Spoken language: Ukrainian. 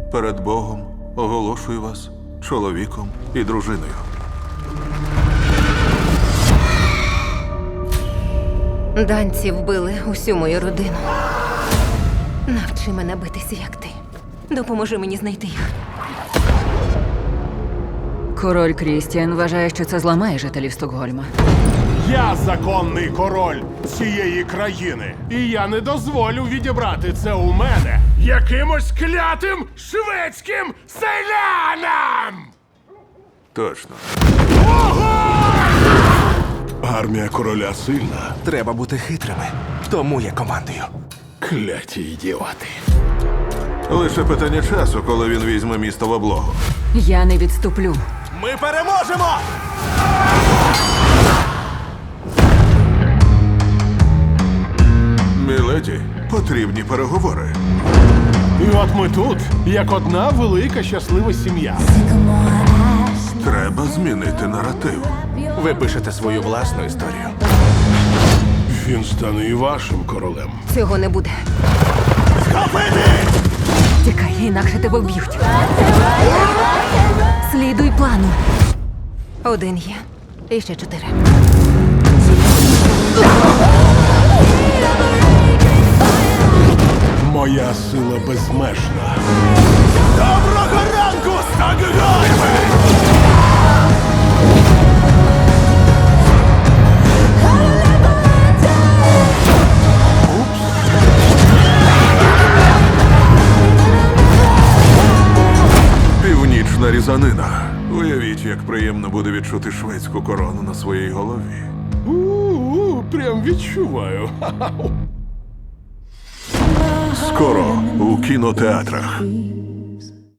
перед Богом оголошую вас чоловіком і дружиною. Данці вбили усю мою родину. Навчи мене битися, як ти. Допоможи мені знайти їх. Король Крістіан вважає, що це зламає жителів Стокгольма. Я законний король цієї країни. І я не дозволю відібрати це у мене якимось клятим шведським селянам! Точно. Армія короля сильна. Треба бути хитрими. Тому я командую. Кляті ідіоти. Лише питання часу, коли він візьме місто в облогу. Я не відступлю. Ми переможемо! Міледі, потрібні переговори. І от ми тут, як одна велика щаслива сім'я. Треба змінити наратив. Ви пишете свою власну історію. Він стане і вашим королем. Цього не буде. Тікай, інакше тебе вб'ють. Слідуй плану. Один є. І ще 4. Моя сила безмежна. Доброго ранку, Стокгольме! Північна різанина. Уявіть, як приємно буде відчути шведську корону на своїй голові. Прям відчуваю. Скоро у кінотеатрах.